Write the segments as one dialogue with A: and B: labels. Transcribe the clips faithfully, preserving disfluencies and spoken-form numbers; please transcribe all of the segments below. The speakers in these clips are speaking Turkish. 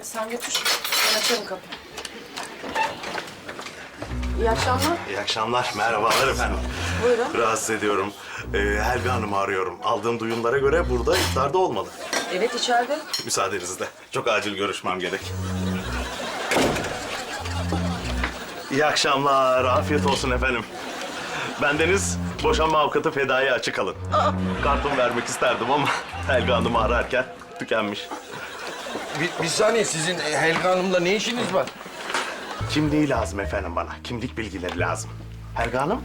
A: sen götür. Ben açarım kapıyı. İyi akşamlar.
B: İyi akşamlar, merhabalar efendim.
A: Buyurun.
B: Rahatsız ediyorum. Ee, Helga Hanım'ı arıyorum. Aldığım duyumlara göre burada iftarda olmalı.
A: Evet, içeride.
B: Müsaadenizle. Çok acil görüşmem gerek. İyi akşamlar, afiyet olsun efendim. Bendeniz boşanma avukatı Fedai'ye açık alın. Kartımı vermek isterdim ama Helga Hanım'ı ararken tükenmiş.
C: Bir, bir saniye, sizin Helga Hanım'la ne işiniz var?
B: Kimliği lazım efendim bana. Kimlik bilgileri lazım. Helga Hanım?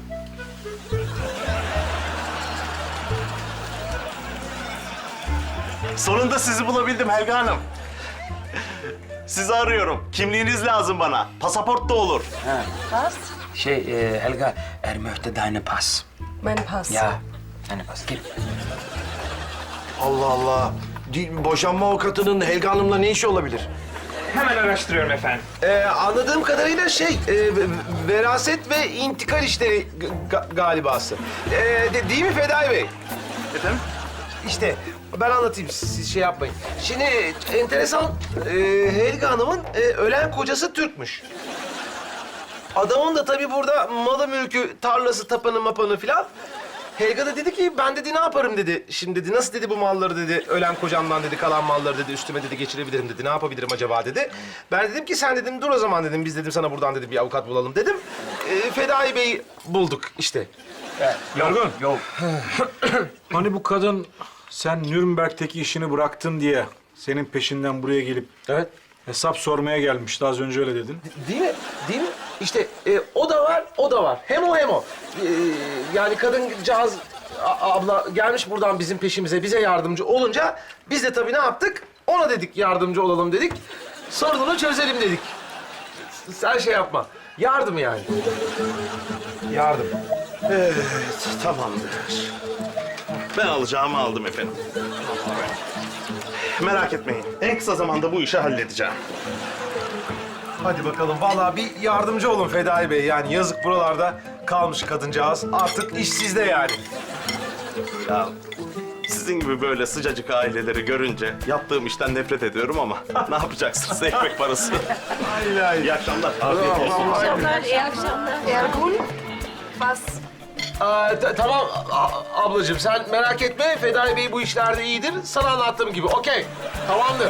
B: Sonunda sizi bulabildim Helga Hanım. Sizi arıyorum. Kimliğiniz lazım bana. Pasaport da olur.
A: Pas.
D: Şey, e, Helga, er möchte deine Pass.
A: Ben pas.
D: Ja, deine Pass. Gel.
C: Allah Allah. Di- Boşanma avukatının Helga Hanım'la ne işi olabilir?
E: Hemen araştırıyorum efendim.
C: Ee, anladığım kadarıyla şey, e, veraset ve intikal işleri ga- galibası. Ee, de- değil mi Fedai Bey?
B: Efendim?
C: İşte ben anlatayım, siz şey yapmayın. Şimdi enteresan, e, Helga Hanım'ın e, ölen kocası Türkmüş. Adamın da tabii burada malı mülkü, tarlası, tapanı mapanı filan. Helga da dedi ki, ben dedi ne yaparım dedi. Şimdi dedi, nasıl dedi bu malları dedi, ölen kocamdan dedi, kalan malları dedi, üstüme dedi geçirebilirim dedi. Ne yapabilirim acaba dedi. Ben dedim ki, sen dedim dur o zaman dedim, biz dedim sana buradan dedim bir avukat bulalım dedim. E, Fedai Bey'i bulduk işte.
E: Yorgun.
D: Yok.
F: Hani bu kadın sen Nürnberg'teki işini bıraktın diye senin peşinden buraya gelip
C: Evet.
F: hesap sormaya gelmişti. Az önce öyle dedin.
C: Değil mi? Değil mi? İşte e, o da var, o da var. Hem o hem o. E, yani kadıncağız a- abla gelmiş buradan bizim peşimize, bize yardımcı olunca biz de tabii ne yaptık? Ona dedik yardımcı olalım dedik. Sorununu çözelim dedik. Sen şey yapma. Yardım yani. Yardım.
B: Evet, tamamdır. Ben alacağımı aldım efendim. Merak etmeyin. En kısa zamanda bu işi halledeceğim.
C: Hadi bakalım. Vallahi bir yardımcı olun Fedai Bey. Yani yazık buralarda kalmış kadıncağız. Artık iş sizde yani.
B: Ya sizin gibi böyle sıcacık aileleri görünce yaptığım işten nefret ediyorum ama ne yapacaksınız? Ekmek parası. İyi akşamlar. Afiyet olsun.
A: akşamlar, iyi akşamlar. Ergun. Pas.
C: Aa, ta- tamam a- ablacığım, sen merak etme. Fedai Bey bu işlerde iyidir. Sana anlattığım gibi. Okey. Tamamdır.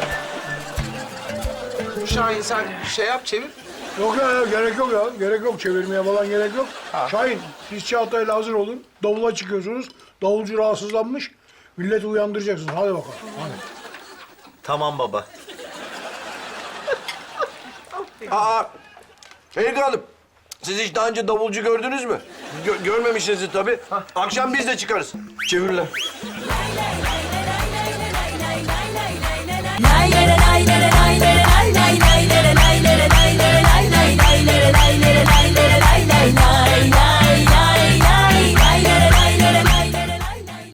C: Şahin sen şey yap, çevir.
G: Yok ya, ya, gerek yok ya. Gerek yok. Çevirmeye falan gerek yok. Şahin, siz Çağatay'la hazır olun. Davula çıkıyorsunuz. Davulcu rahatsızlanmış. Milleti uyandıracaksınız. Hadi bakalım. Hadi.
H: Tamam baba.
C: Aa, Helga Hanım. Siz hiç daha önce davulcu gördünüz mü? Gö- görmemişsinizdir tabii. Akşam biz de çıkarız. Çevirler.